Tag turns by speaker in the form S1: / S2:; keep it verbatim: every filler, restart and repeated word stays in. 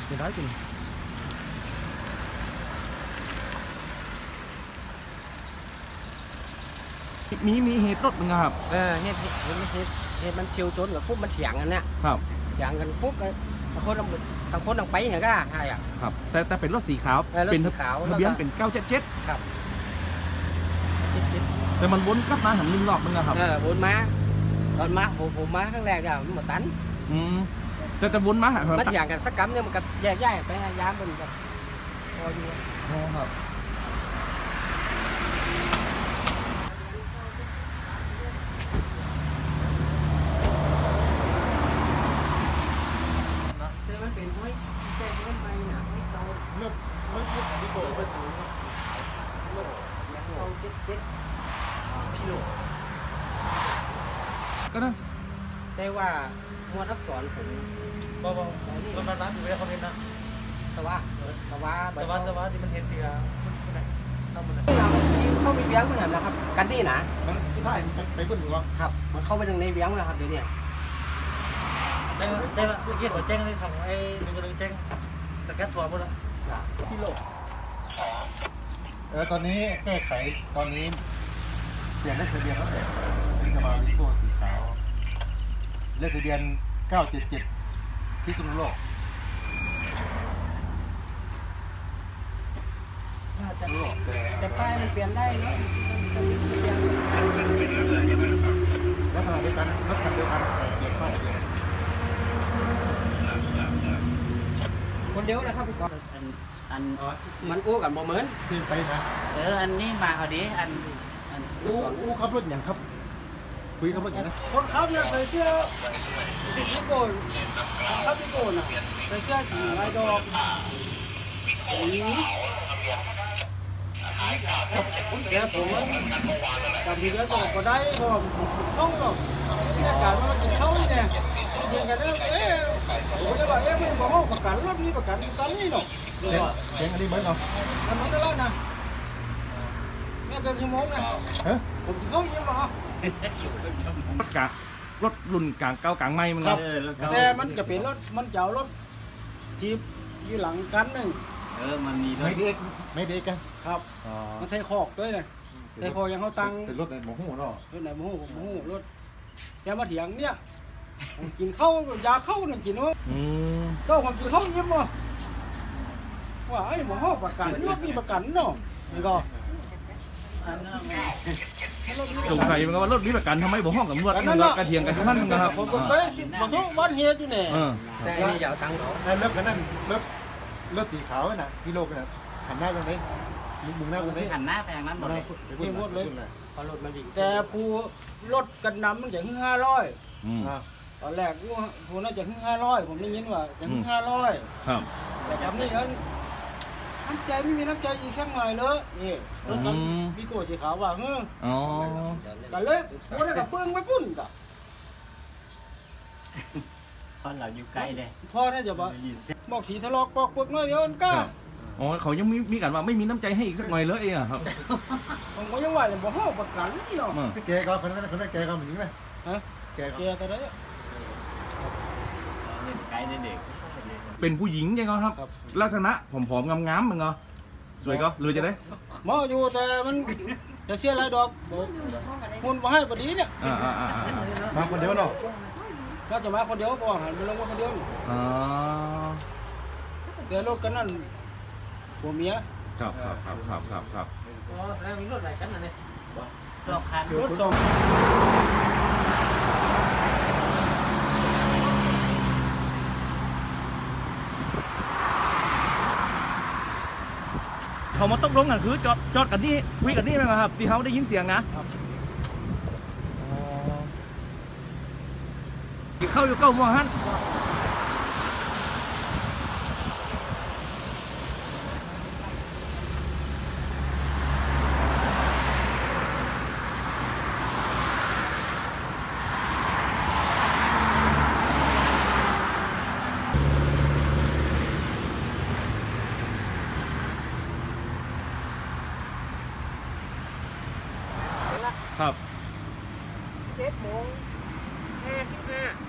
S1: เป็นร้อยจริงมีมีเหตุรถมั้งครับ
S2: เออเหตุเหตุเหตุเหตุมันเฉียวชนกับปุ๊บมันเถียงกันเนี่ย
S1: ครับ
S2: เถียงกันปุ๊บทางคนทางคนทางไปเห็นก็ใช่อ่ะ
S1: ครับแต่แต่เป็นรถสีขาว
S2: เป็นสีขาว
S1: ทะเบียนเป็นเก้าเจ็ดเจ็ด
S2: ครับ
S1: แต่มันวนกลับมาหันหนึ่งรอบมั้งครับ
S2: เออวนมาตอนมาผมผมมาครั้งแรกอะมันหมดตัน
S1: อืมแต่แต่วนมาหัน
S2: มันเถียงกันสักกั๊มเนี่ยมันก็แยกย้ายไปยามมันก็พออยู่
S1: อ๋อครับ
S2: มันเป็นห้อยแจ้งห้อยไปน่ะห้อยเก่า
S3: เริ่มเริ่มพูดที่โกงไปถึง
S2: โลกยังเก่าเจ็ดเจ็ดพี่โล
S1: ก็ได้
S2: แต่ว่ามวลอักษรผม
S3: บ่บ่มันมันร้านอยู่ในคอมเมนต์นะ
S2: แต่ว่าแต่ว่า
S3: แต่ว่าแต่ว่าที่มันเห็นตีอะที่ไหนทำมันไหน
S2: เข้าไปเวียงมันนะครับกันนี่นะ
S3: มันที่ได้ไปเพิ่นหรอ
S2: ครับมันเข้าไปในเวียงนะครับเดี๋ยวนี้
S3: แจ้งแจ้งเมื่อกี้ผมแจ้งในสองไอ้หนึ่งกำลังแจ้งสแกนทัวร์หมดแล้ว
S2: พี่โล
S3: เออตอนนี้แก้ไขตอนนี้เปลี่ยนเลขทะเบียนแล้วแต่เป็นกระบะวิโก้สีขาวเลขทะเบียนเก้าเจ็ดเจ็ดพิษณุโลก
S2: แต่ป้ายมันเปลี่ยนได้เนาะ
S3: ลักษณะเดียวกันรถคันเดียวกันแต่เปลี่ยนป้ายทะเบียน
S2: คนเดียวนะครับพี่กอล์ฟอันอันมันอู้กันบ่เหมือน
S3: เปลี่ยนไปนะ
S2: เอออันนี้มาเอาดิอันอัน
S3: อู้อู้ขับรถอย่างครับคุยขับรถอย่างนะ
S2: คนขับเนี่ยใส่เสื้อพี่โกนขับพี่โกนอ่ะใส่เสื้อสีลายดอกนี้แกผมกับพี่เลี้ยงบอกก็ได้ก็เข้าหรอกที่อากาศมันกินเข้านี่เนี่ยเถียงกันเอ๊ะผมจะบอกเอ๊ะมันบอกว่าประกันรถนี้ประกันกันนี่เนาะ
S3: เสียงอันนี้เหมือนเนาะ
S2: อันนั้นได้แล้วนะแม่เกินชั่วโมงนะผมจะเข้ายิ้มเหรอ
S1: รถกะรถรุ่นกลางเก่ากลางใหม่มันครับ
S2: แต่มันจะเป็นรถมันจะเอารถทีบอยู่หลังกันหนึ่ง
S3: เออมันมีไม่เด็กไม่เด็กกัน
S2: ครับมันใส่คอกด้วยเลยใส่คอกยังเขาตัง
S3: เป็นรถไหนหมูหูเนาะ
S2: รถไหนหมูหูหมูหูรถแกมาเถียงเนี่ยกินข้าวยาเข้าเนี่ยกินว่าก็ผมกินข้าวยิ้มว่ะว่าไอ้หมอห้อประกันรถมีประกันเนาะนี่ก็
S1: สงสัยมันว่ารถมีประกันทำไมบ่ห้องกับตำรวจมันก็กระเทียงกันทุกท่านนะครับ
S2: ผมก็เคยมาสู้บ้านเฮียอยู่เนี่ยแต่อันนี้ยาวตังค์
S3: แล้วเลิกกันนั่นเลิกเลิกสีขาวน่ะพี่โลกน่ะหันหน้าตรงนี้มึงหน้าตรงนี้
S2: หันหน้าแพงนั้นหมดเลย
S3: ที่หมดเลย
S2: พอรถมันดีแต่ผู้รถกันน้ำมันจะขึ้นห้าร้อยตอนแรกผู้ผู้น่าจะขึ้นห้าร้อยผมได้ยินว่าจะขึ้นห้าร้อย
S1: ครับ
S2: แต่จำนี่กันน้ำใจไม่มีน้ำใจอีกสักหน่อยเลยนี่รถกันพี่โก้สีขาวว่าเฮ้อ
S1: อ๋อ
S2: กันเลยผู้ได้กับเปื้องไม่ปุ้นกับ
S4: พอเราอยู่ใกล้เลย
S2: พ่อน่าจะบอกบอกสีทะลอกปอกปึกน้อยเดียวกันก้า
S1: อ๋อเขายังมีมีกันว่าไม่มีน้ำใจให้อีกสักหน่อยเลยอ่ะครับ
S2: ผมก็ยังว่าอย่างบ่ห้อประกันนี่เนาะ
S3: แกก็คนนั้นคนนั้นแกก็เหมือนนี้ไหม
S2: ฮะแกแกก็ได้
S4: ใกล้เด็ก
S1: เป็นผู้หญิงยังไงครับลักษณะผอมๆงามๆมึงเหรอสวยก็เลยจะได้
S2: มออยู่แต่มันจะเสียรายดอกคุณมาให้พอดีเนี่ย
S3: มาคนเดียวเนาะ
S2: ก็จะมาคนเดียวก่อนหันไปลงมาคนเดียว
S1: อ๋อ
S2: เดี๋ยวรถกันนั่นผัวเมีย
S1: ครับครับครับครับครับครับ
S2: อ๋อแล้วมีรถไหนกันน่ะเนี่ย
S4: สองคัน
S2: รถสอง
S1: เขามาตกลงกันคือจอดจอดกันนี่คุยกันนี่ไหมครับที่เขาได้ยินเสียงนะเข้าอยู่เก้าโมงฮั่นครับ
S2: สิบเอ็ดโมงห้าสิบห้า